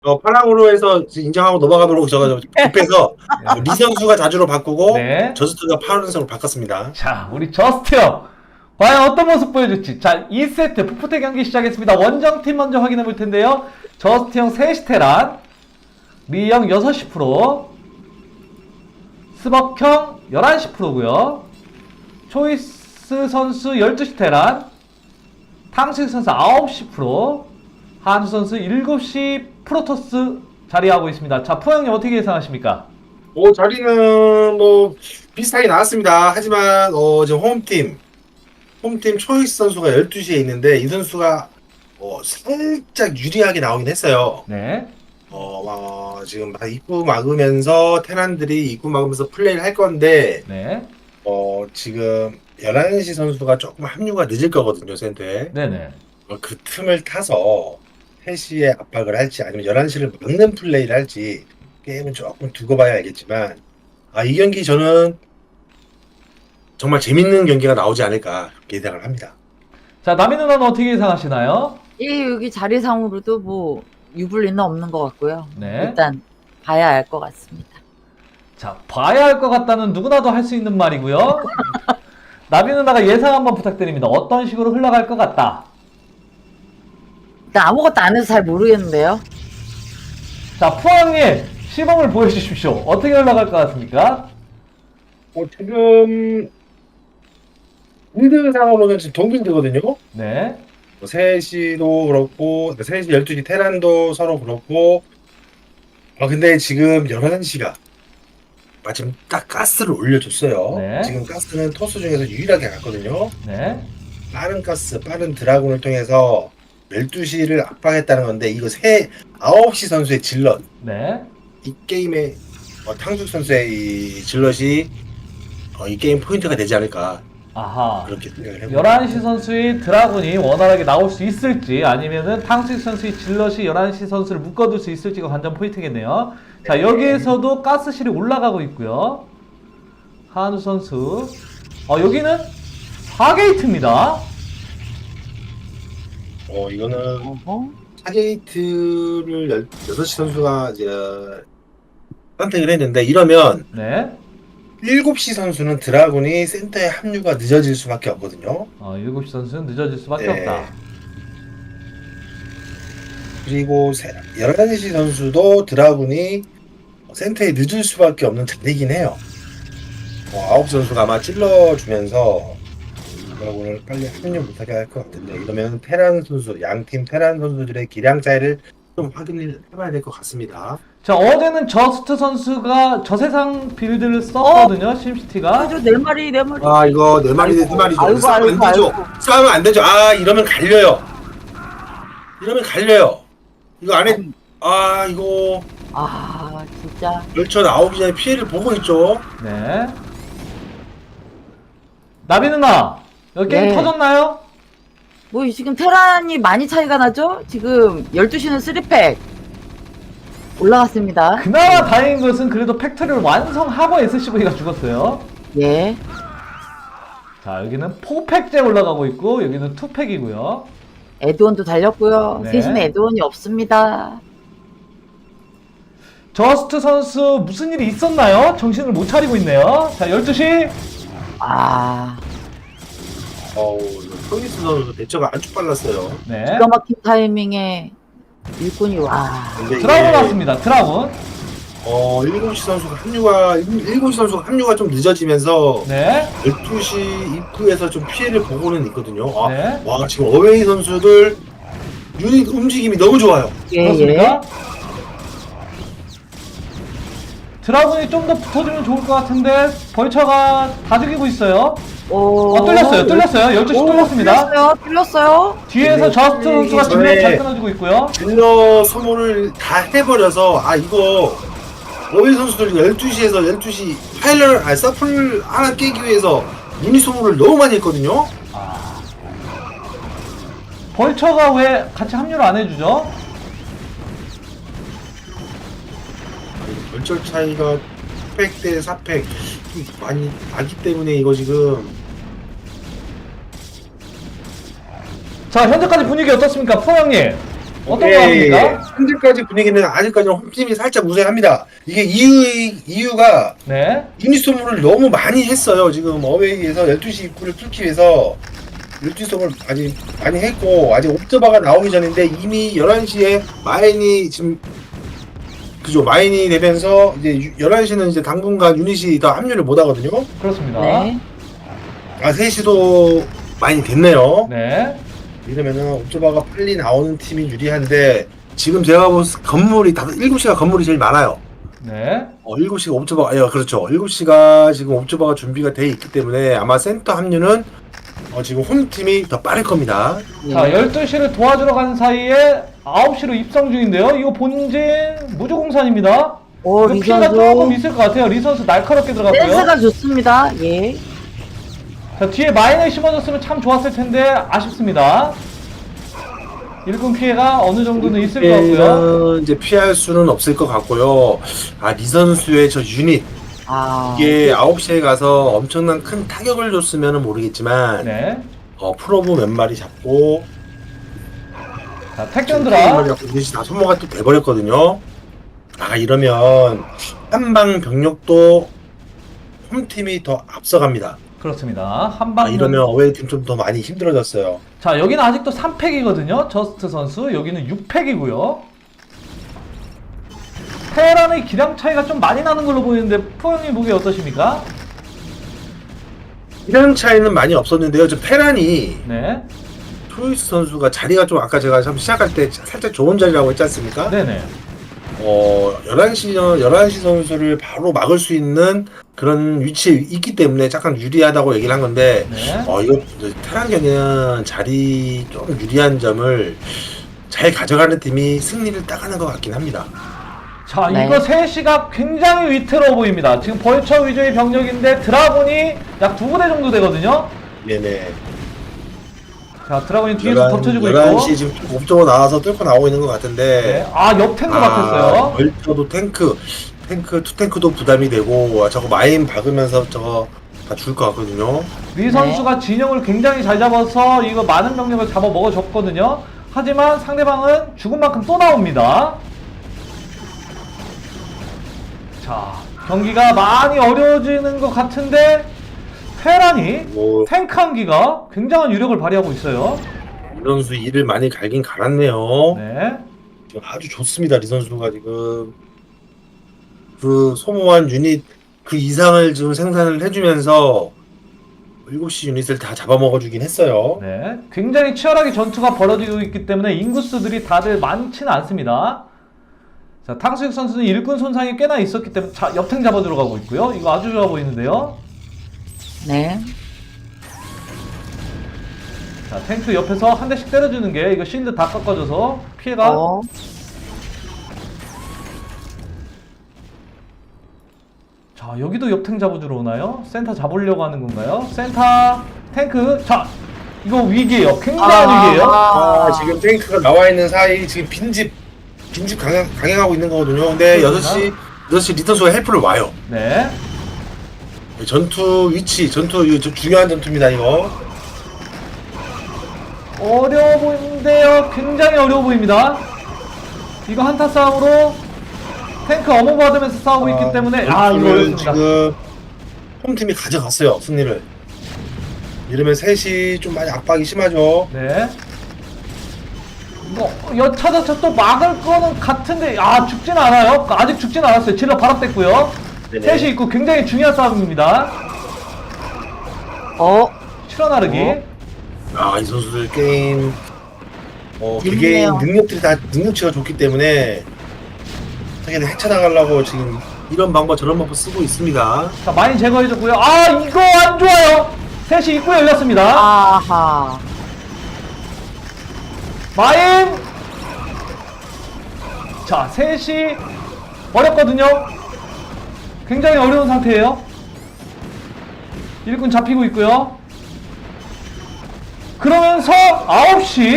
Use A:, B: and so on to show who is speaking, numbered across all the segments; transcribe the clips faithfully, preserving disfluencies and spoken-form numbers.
A: 어, 파랑으로 해서 인정하고 넘어가도록 저가 급해서
B: 네.
A: 리 선수가 자주로 바꾸고
B: 네.
A: 저스트가 파란색으로 바꿨습니다.
B: 자, 우리 저스트 형. 과연 어떤 모습 보여줄지. 자, 이 세트 풋풋의 경기 시작했습니다. 원정팀 먼저 확인해 볼 텐데요. 저스트 형 세 시 테란, 리형 여섯 시 프로, 스벅 형 열한 시 프로고요. 초이스 선수 열두 시 테란, 탕식 선수 아홉 시 프로, 한수 선수 일곱 시 프로토스 자리하고 있습니다. 자, 푸 형님 어떻게 예상하십니까?
A: 뭐 자리는 뭐 비슷하게 나왔습니다. 하지만 어, 지금 홈팀 홈팀 초이스 선수가 열두 시에 있는데 이 선수가 어, 살짝 유리하게 나오긴 했어요.
B: 네.
A: 어, 어, 지금 막 입구 막으면서 테란들이 입구 막으면서 플레이를 할 건데
B: 네.
A: 어, 지금 열한 시 선수가 조금 합류가 늦을 거거든요, 센터에.
B: 네네.
A: 어, 그 틈을 타서 세 시에 압박을 할지 아니면 열한 시를 막는 플레이를 할지 게임은 조금 두고 봐야 알겠지만 아, 이 경기 저는 정말 재밌는 경기가 나오지 않을까 그렇게 예상을 합니다.
B: 자, 남인 누나는 어떻게 예상하시나요?
C: 예, 여기 자리상으로도 뭐 유불리는 없는 것 같고요.
B: 네.
C: 일단 봐야 알 것 같습니다.
B: 자, 봐야 할 것 같다는 누구나도 할 수 있는 말이고요. 나비 누나가 예상 한번 부탁드립니다. 어떤 식으로 흘러갈 것 같다.
C: 일단 아무것도 안 해서 잘 모르겠는데요.
B: 자, 푸왕님 시범을 보여주십시오. 어떻게 흘러갈 것 같습니까?
A: 어, 지금 빌드 상으로는 지금 동빌드거든요.
B: 네.
A: 뭐 세 시도 그렇고 세 시, 열두 시 테란도 서로 그렇고 아 근데 지금 열한 시가 마침 딱 가스를 올려줬어요.
B: 네.
A: 지금 가스는 토스 중에서 유일하게 갔거든요.
B: 네.
A: 빠른 가스, 빠른 드라군을 통해서 열두 시를 압박했다는 건데 이거 세 아홉 시 선수의 질럿
B: 네.
A: 이 게임의 어, 탕숙 선수의 이 질럿이 어, 이 게임 포인트가 되지 않을까
B: 아하.
A: 그렇게 생각을 해봅니다.
B: 열한 시 선수의 드라군이 원활하게 나올 수 있을지 아니면은 탕수익 선수의 질럿이 열한 시 선수를 묶어둘 수 있을지가 관전 포인트겠네요. 자, 여기에서도 가스실이 올라가고 있고요. 한우 선수. 어, 여기는 사 게이트입니다.
A: 어 이거는
C: 어허.
A: 사 게이트를 여섯 시 선수가 이제 선택을 했는데 이러면
B: 네.
A: 일곱 시 선수는 드라군이 센터에 합류가 늦어질 수밖에 없거든요.
B: 어, 일곱 시 선수는 늦어질 수밖에
A: 네.
B: 없다.
A: 그리고 세- 열한 시 선수도 드라군이 센터에 늦을 수밖에 없는 자리이긴 해요. 어, 아홉 시 선수가 아마 찔러주면서 드라군을 빨리 합류 못하게 할 것 같은데 이러면 테란 선수, 양팀 테란 선수들의 기량 차이를 좀 확인을 해봐야 될 것 같습니다.
B: 자, 어제는 저스트 선수가 저세상 빌드를 썼거든요. 심시티가.
C: 그죠, 네 마리, 네 마리.
A: 아 이거 네 마리 네 마리죠.
C: 아이고,
A: 싸우면
C: 아이고,
A: 안 되죠.
C: 아이고.
A: 싸우면 안 되죠. 아 이러면 갈려요. 이러면 갈려요. 이거 안에 아 이거
C: 아, 진짜.
A: 열차 나오기 전에 피해를 보고 있죠.
B: 네. 나비 누나, 여기 게임
C: 네.
B: 터졌나요?
C: 뭐 지금 테란이 많이 차이가 나죠? 지금 열두 시는 쓰리 팩 올라갔습니다.
B: 그나마 다행인 것은 그래도 팩토리를 완성하고 에스씨브이가 죽었어요.
C: 예.
B: 자, 여기는 사 팩째 올라가고 있고 여기는 이 팩이고요.
C: 에드원도 달렸고요.
B: 네.
C: 셋시는 에드원이 없습니다.
B: 저스트 선수 무슨 일이 있었나요? 정신을 못 차리고 있네요. 자, 열두 시.
C: 아,
A: 어우 토니스 선수 대처가 아주 빨랐어요.
B: 네.
C: 기가 막힌 타이밍에 일꾼이 와.
A: 근데 이게
B: 드라군 왔습니다. 드라군.
A: 어 일곱 시 선수가 합류가 일곱 시 선수가 합류가 좀 늦어지면서
B: 네.
A: 열두 시 입구에서 좀 피해를 보고는 있거든요. 아,
B: 네.
A: 와 지금 어웨이 선수들 유닛 움직임이 너무 좋아요.
C: 예,
B: 그렇습니까? 드라군이 좀 더 붙어주면 좋을 것 같은데 벌처가 다 죽이고 있어요.
C: 오.
B: 어, 뚫렸어요. 뚫렸어요. 열두 시
C: 오,
B: 뚫렸습니다.
C: 뚫렸어요. 뚫렸어요.
B: 뒤에서
A: 네.
B: 저스트 선수가
A: 전에-
B: 질러 잘 끊어주고 있고요.
A: 질러 소모를 다 해버려서 아 이거 어웨이 선수들 열두 시에서 열두 시 파일럿 아 서플 하나 깨기 위해서 유닛 소모를 너무 많이 했거든요.
B: 벌처가 왜 같이 합류를 안 해주죠?
A: 결절 차이가 사 팩 대 사 팩 많이 나기 때문에 이거 지금
B: 자, 현재까지 분위기 어떻습니까? 푸 형님. 어떤
A: 예,
B: 거
A: 예,
B: 합니까?
A: 예. 현재까지 분위기는 아직까지는 홈팀이 살짝 우세합니다. 이게 이유, 이유가
B: 네.
A: 유니소모를 너무 많이 했어요. 지금 어웨이에서 열두 시 입구를 뚫기 위해서 열두 시 소모를 아직 많이 했고, 아직 옵저바가 나오기 전인데 이미 열한 시에 마인이 지금 그죠, 마인이 되면서 이제 열한 시는 이제 당분간 유닛이 더 합류를 못 하거든요.
B: 그렇습니다.
C: 네.
A: 아, 세 시도 많이 됐네요.
B: 네.
A: 이러면은 옵저바가 빨리 나오는 팀이 유리한데, 지금 제가 본 건물이 다 일곱 시가 건물이 제일 많아요.
B: 네.
A: 어, 일곱 시가 옵저바가, 예, 그렇죠. 일곱 시가 지금 옵저바가 준비가 돼 있기 때문에 아마 센터 합류는 어, 지금 홈팀이 더 빠를 겁니다.
B: 자, 열두 시를 도와주러 간 사이에 아홉 시로 입성 중인데요. 이거 본진 무주공산입니다.
C: 오,
B: 이거 피해가 조금
C: 리선수.
B: 있을 것 같아요. 리선수 날카롭게 들어갔고요.
C: 댄스가 좋습니다. 예.
B: 자, 뒤에 마인을 심어줬으면 참 좋았을 텐데 아쉽습니다. 일군 피해가 어느 정도는 있을 것 같고요.
A: 피해는 이제 피할 수는 없을 것 같고요. 아, 리 선수의 저 유닛,
C: 아.
A: 이게 아홉 시에 가서 엄청난 큰 타격을 줬으면 모르겠지만,
B: 네.
A: 어, 프로브 몇 마리 잡고,
B: 자,
A: 몇
B: 택견들아.
A: 마리 잡고 유닛이 다 소모가 또 돼버렸거든요. 아, 이러면 한방 병력도 홈팀이 더 앞서갑니다.
B: 그렇습니다. 한방.
A: 아, 이러면 어웨이팀 좀 더 많이 힘들어졌어요.
B: 자, 여기는 아직도 삼 팩이거든요. 저스트 선수. 여기는 육 팩이고요. 테란의 기량 차이가 좀 많이 나는 걸로 보이는데 푸형님 보기 어떠십니까?
A: 이런 차이는 많이 없었는데요. 저 페란이
B: 네.
A: 토이스 선수가 자리가 좀, 아까 제가 참 시작할 때 살짝 좋은 자리라고 했지 않습니까?
B: 네네.
A: 어, 열한 시, 열한 시 선수를 바로 막을 수 있는 그런 위치에 있기 때문에 약간 유리하다고 얘기를 한 건데,
B: 네.
A: 어, 이거 테란 경기는 자리 좀 유리한 점을 잘 가져가는 팀이 승리를 따가는 것 같긴 합니다.
B: 자,
C: 네.
B: 이거 세 시가 굉장히 위태로워 보입니다. 지금 벌처 위주의 병력인데 드라곤이 약 두 부대 정도 되거든요.
A: 네네.
B: 자, 드라곤이 뒤에서 덮쳐주고 있고.
A: 열한 시 지금 옵저버 나와서 뚫고 나오고 있는 것 같은데,
B: 네. 아, 옆 탱크 막혔어요.
A: 벌처도 탱크, 탱크, 투탱크도 부담이 되고, 아, 저거 마인 박으면서 저거 다 줄 것 같거든요.
B: 리 선수가 진영을 굉장히 잘 잡아서 이거 많은 병력을 잡아 먹어줬거든요. 하지만 상대방은 죽은 만큼 또 나옵니다. 자, 경기가 많이 어려워지는 것 같은데 테란이
A: 뭐,
B: 탱크 한기가 굉장한 유력을 발휘하고 있어요.
A: 리 선수 일을 많이 갈긴 갈았네요.
B: 네.
A: 지금 아주 좋습니다. 리 선수가 지금 그 소모한 유닛 그 이상을 지금 생산을 해주면서 일곱 시 유닛을 다 잡아먹어주긴 했어요.
B: 네. 굉장히 치열하게 전투가 벌어지고 있기 때문에 인구수들이 다들 많지는 않습니다. 자, 탕수육 선수는 일군 손상이 꽤나 있었기 때문에 자, 옆탱 잡아 들어가고 있고요. 이거 아주 좋아 보이는데요.
C: 네.
B: 자, 탱크 옆에서 한 대씩 때려주는 게 이거 실드 다 깎아줘서 피해가.
C: 어.
B: 자, 여기도 옆탱 잡아주러 오나요? 센터 잡으려고 하는 건가요? 센터 탱크. 자, 이거 위기예요. 굉장한
C: 아.
B: 위기예요.
A: 아, 지금 탱크가 나와 있는 사이 지금 빈집 빈집 강행, 강행하고 있는 거거든요. 근데 여섯 시 여섯 시 리턴수가 헬프를 와요.
B: 네.
A: 전투 위치, 전투 이거 저 중요한 전투입니다. 이거.
B: 어려워 보이는데요. 굉장히 어려워 보입니다. 이거 한타 싸움으로 탱크 어머 받으면서 싸우고 있기 때문에 아, 이거
A: 전투를
B: 어렵습니다.
A: 지금 홈팀이 가져갔어요. 승리를. 이러면 셋이 좀 많이 압박이 심하죠.
B: 네. 뭐 여차저차 또 막을 거는 같은데 아 죽진 않아요. 아직 죽진 않았어요. 질러 발업됐고요.
A: 네네.
B: 셋이 있고 굉장히 중요한 싸움입니다.
C: 어.
B: 실어 나르기.
C: 어?
A: 아, 이 선수들 게임 어, 개개인
C: 재밌네요.
A: 능력들이 다 능력치가 좋기 때문에 자기들 헤쳐나가려고 지금 이런 방법 저런 방법 쓰고 있습니다.
B: 자, 많이 제거해줬고요. 아, 이거 안 좋아요. 셋이 입구에 열렸습니다.
C: 아하.
B: 마인. 자, 셋이 어렵거든요. 굉장히 어려운 상태예요. 일군 잡히고 있고요. 그러면서 아홉 시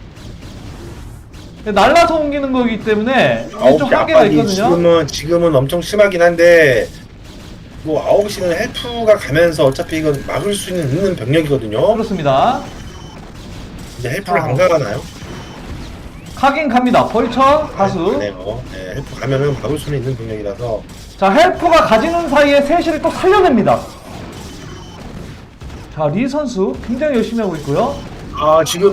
B: 날라서 옮기는 거기 때문에 이게
A: 아홉
B: 좀
A: 시
B: 한계가
A: 압박이
B: 있거든요.
A: 지금은 지금은 엄청 심하긴 한데 뭐 아홉 시는 헬프가 가면서 어차피 이건 막을 수 있는 있는 병력이거든요.
B: 그렇습니다.
A: 이제 헬프를
C: 아.
A: 안 가가나요?
B: 가긴 갑니다. 벌처 다수.
A: 네요. 네, 헬프 가면은 막을 수는 있는 병력이라서.
B: 자, 헬프가 가지는 사이에 셋시를 또 살려냅니다. 자, 리 선수 굉장히 열심히 하고 있고요.
A: 아 지금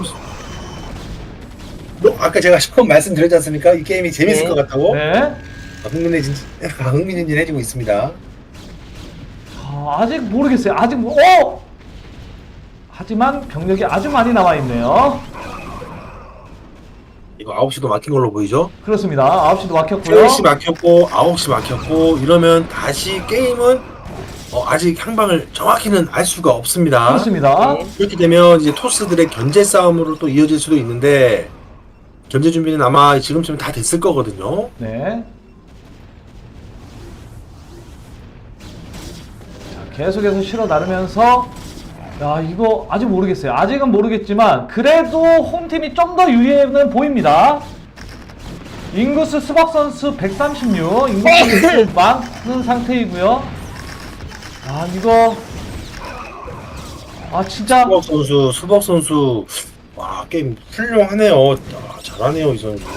A: 뭐 아까 제가 처음 말씀드렸지 않습니까? 이 게임이 재밌을
C: 네.
A: 것 같다고.
B: 네.
A: 아, 흥미진 흥미진진해지고 있습니다.
B: 자, 아직 모르겠어요. 아직 뭐, 어! 하지만 병력이 아주 많이 남아 있네요.
A: 이거 아홉 시도 막힌 걸로 보이죠?
B: 그렇습니다. 아홉 시도 막혔고요.
A: 세시 막혔고 아홉 시 막혔고 이러면 다시 게임은 어, 아직 향방을 정확히는 알 수가 없습니다.
B: 그렇습니다.
C: 네.
A: 이렇게 되면 이제 토스들의 견제 싸움으로 또 이어질 수도 있는데 견제 준비는 아마 지금쯤 다 됐을 거거든요.
B: 네. 자, 계속해서 실어 나르면서 야, 이거 아직 모르겠어요. 아직은 모르겠지만 그래도 홈팀이 좀 더 유리해는 보입니다. 잉구스 수박 선수 백삼십육, 잉구스 많은 상태이고요. 아, 이거 아 진짜
A: 수박 선수, 수박 선수 와 게임 훌륭하네요. 아, 잘하네요 이 선수.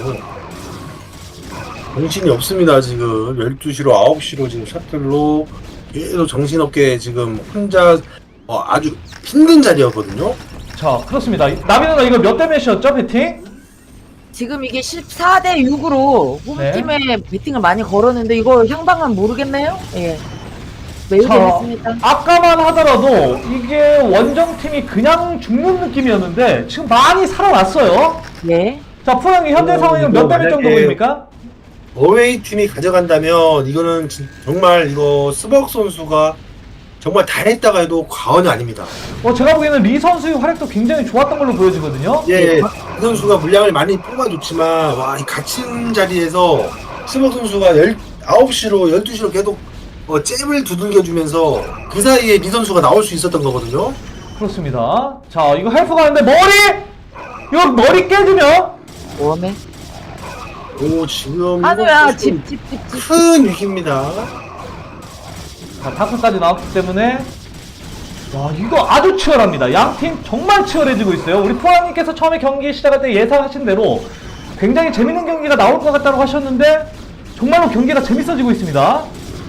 A: 정신이 없습니다 지금. 열두 시로 아홉 시로 지금 셔틀로 계속 정신없게 지금 혼자 어, 아주 힘든 자리였거든요.
B: 자, 그렇습니다. 나비 누나 이거 몇 대 몇이었죠, 배팅?
C: 지금 이게 십사 대 육으로 홈팀에 배팅을 많이 걸었는데 이거 향방은 모르겠네요. 예. 매우
B: 자,
C: 재밌습니다.
B: 아까만 하더라도 이게 원정팀이 그냥 죽는 느낌이었는데 지금 많이 살아났어요.
C: 예.
B: 자, 프랑이 현재
A: 어,
B: 상황은
A: 이거
B: 몇 대 몇 정도
A: 만약에-
B: 보입니까?
A: 어웨이 팀이 가져간다면 이거는 진- 정말 이거 스벅 선수가 정말 잘했다가 해도 과언이 아닙니다.
B: 어, 제가 보기에는 리 선수의 활약도 굉장히 좋았던 걸로 보여지거든요.
A: 예, 이 선수가 물량을 많이 뽑아줬지만 와, 이 갇힌 자리에서 스벅 선수가 열, 아홉 시로 열두 시로 계속 어, 잽을 두들겨주면서 그 사이에 리 선수가 나올 수 있었던 거거든요.
B: 그렇습니다. 자, 이거 헬프 가는데 머리! 이거 머리 깨지면
C: 웜에.
A: 오 지금
C: 한우야
A: 이거
C: 집 집 집 집.
A: 큰 위기입니다.
B: 자, 다크까지 나왔기 때문에 와, 이거 아주 치열합니다. 양 팀 정말 치열해지고 있어요. 우리 포항님께서 처음에 경기 시작할 때 예상하신 대로 굉장히 재밌는 경기가 나올 것 같다고 하셨는데 정말로 경기가 재밌어지고 있습니다.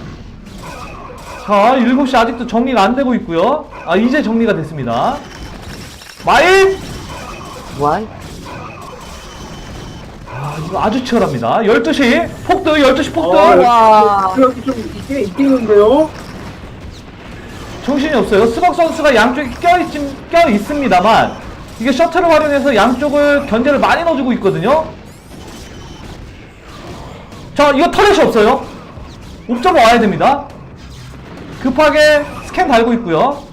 B: 자, 일곱 시 아직도 정리가 안 되고 있고요. 아, 이제 정리가 됐습니다. 마일!
C: 와.
B: 아, 이거 아주 치열합니다. 열두 시 폭드, 열두 시 폭드.
A: 어,
C: 와.
A: 그렇게 좀 이게 있겠는데요?
B: 정신이 없어요. 스벅 선수가 양쪽에 껴있, 껴 있습니다만 이게 셔틀을 활용해서 양쪽을 견제를 많이 넣어주고 있거든요. 자, 이거 터렛이 없어요. 옵저버 와야 됩니다. 급하게 스캔 달고 있고요.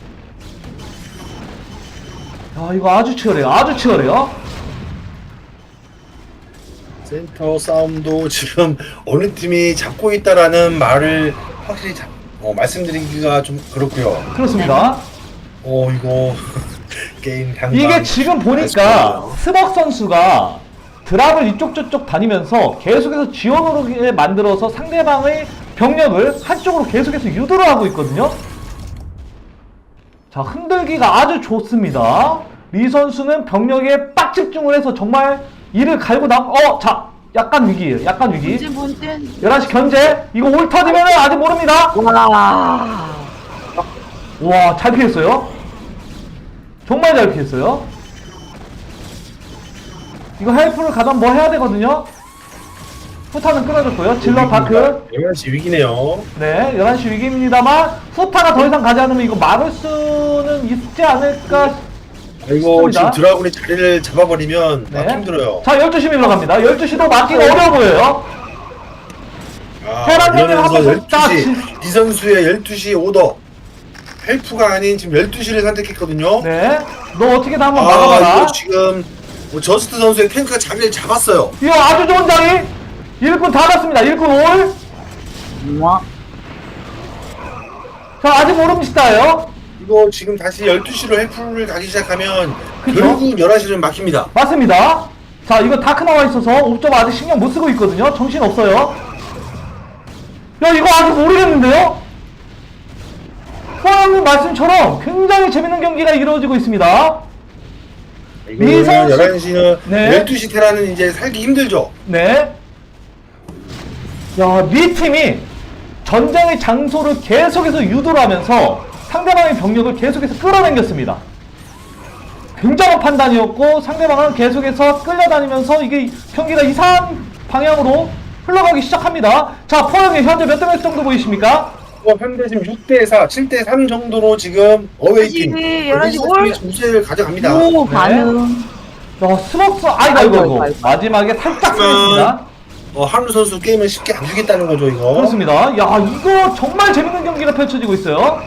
B: 야, 이거 아주 치열해요. 아주 치열해요.
A: 센터 싸움도 지금 어느 팀이 잡고 있다라는 말을 확실히 잡, 어, 말씀드리기가 좀 그렇고요.
B: 그렇습니다.
A: 어 이거 게임 향방
B: 이게 지금 보니까 스벅 선수가 드랍을 이쪽 저쪽 다니면서 계속해서 지원으로 만들어서 상대방의 병력을 한쪽으로 계속해서 유도를 하고 있거든요. 자, 흔들기가 아주 좋습니다. 리 선수는 병력에 빡 집중을 해서 정말 이를 갈고 남, 어, 자, 약간 위기예요. 약간 위기.
C: 본진 본진.
B: 열한 시 견제. 이거 올 터지면 아직 모릅니다.
C: 와.
B: 와, 잘 피했어요. 정말 잘 피했어요. 이거 헬프를 가면 뭐 해야 되거든요. 후타는 끊어졌고요. 질러 다크.
A: 열한 시 위기네요.
B: 네, 열한 시 위기입니다만 후타가 더 이상 가지 않으면 이거 막을 수는 있지 않을까.
A: 아, 이거
B: 싶습니다.
A: 지금 드라군이 자리를 잡아버리면
B: 네.
A: 막 힘들어요.
B: 자, 열두 시 밀러 갑니다. 열두 시도 막기가 어려워 보여요.
A: 아,
B: 테란 형님
A: 이러면서
B: 한번 딱
A: 열두 시 이 선수의 열두 시 오더 헬프가 아닌 지금 열두 시를 선택했거든요.
B: 네, 너 어떻게든 한번
A: 아
B: 막아봐라.
A: 이거 지금 뭐 저스트 선수의 탱크가 자리를 잡았어요.
B: 이거 아주 좋은 자리. 일꾼 다 갔습니다. 일꾼 올.
C: 와.
B: 자, 아직 모릅니다요.
A: 이거 지금 다시 열두 시로 헬프를 가기 시작하면
B: 그쵸?
A: 결국 열한 시는 막힙니다.
B: 맞습니다. 자, 이거 다크 나와 있어서 옵점 아직 신경 못 쓰고 있거든요. 정신 없어요. 야, 이거 아직 모르겠는데요? 포항님 말씀처럼 굉장히 재밌는 경기가 이루어지고 있습니다. 미선 씨-
A: 열한 시는
B: 네.
A: 열두 시 테라는 이제 살기 힘들죠.
B: 네. 야, 미 팀이 전장의 장소를 계속해서 유도를 하면서 상대방의 병력을 계속해서 끌어당겼습니다. 굉장한 판단이었고 상대방은 계속해서 끌려다니면서 이게 경기가 이상한 방향으로 흘러가기 시작합니다. 자, 포영이 현재 몇 대 몇 정도 보이십니까?
A: 어, 현대 지금 육 대 사, 칠 대 삼 정도로 지금 어웨이팀
C: 열한 시 올.
A: 우세를 가져갑니다.
C: 오,
B: 네.
C: 반응.
B: 야, 스벅스, 아이고, 아이고,
C: 아이고,
B: 아이고.
C: 아이고.
B: 마지막에 살짝
A: 하지만-
B: 쓰였습니다.
A: 어, 한우 선수 게임을 쉽게 안 주겠다는 거죠, 이거.
B: 그렇습니다. 야, 이거 정말 재밌는 경기가 펼쳐지고 있어요.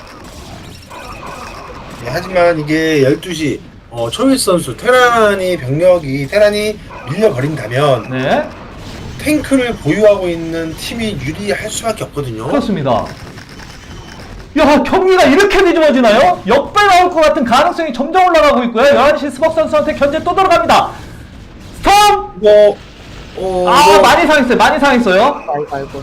A: 네, 하지만 이게 열두 시 어, 초이스 선수 테란이 병력이 테란이 밀려버린다면
B: 네,
A: 탱크를 보유하고 있는 팀이 유리할 수밖에 없거든요.
B: 그렇습니다. 야, 경기가 이렇게 뒤집어지나요? 역배 나올 것 같은 가능성이 점점 올라가고 있고요. 열한 시 스벅 선수한테 견제 또 들어갑니다. 스톰!
A: 이거 어,
B: 아,
A: 이거
B: 많이 상했어요. 많이 상했어요.
C: 아이고, 아이고.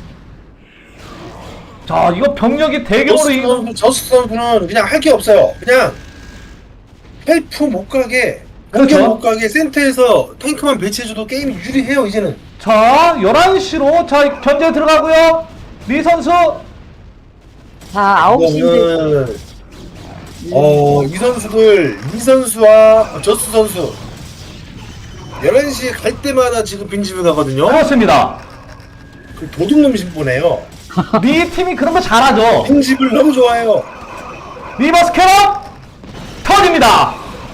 B: 자, 이거 병력이 대규모로
A: 저스
B: 이...
A: 선수, 저스 선수는 그냥 할 게 없어요. 그냥 헬프 못 가게,
B: 그렇죠.
A: 공격 못 가게 센터에서 탱크만 배치해줘도 게임이 유리해요 이제는.
B: 자, 열한 시로 자, 견제 들어가고요. 리 선수.
C: 자, 아홉 시인데.
A: 이거는 어, 이 선수들, 이 선수와 저스 선수 열한 시에 갈 때마다 지금 빈집을 가거든요.
B: 그렇습니다.
A: 그 도둑놈 신보네요.
B: 리 팀이 그런 거 잘하죠.
A: 빈집을 너무 좋아해요.
B: 리버스 캐럿 터집니다.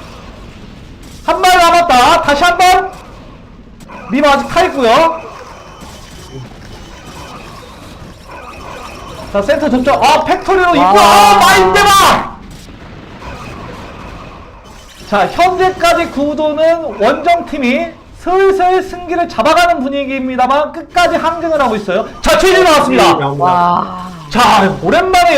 B: 한 발 남았다. 다시 한 번. 리버 아직 타 있고요. 자, 센터 접촉. 아, 팩토리로 입고. 아, 마인드바. 자, 현재까지 구도는 원정 팀이 슬슬 승기를 잡아가는 분위기입니다만 끝까지 항쟁을 하고 있어요. 자, 최진 나왔습니다.
C: 와.
B: 자, 오랜만에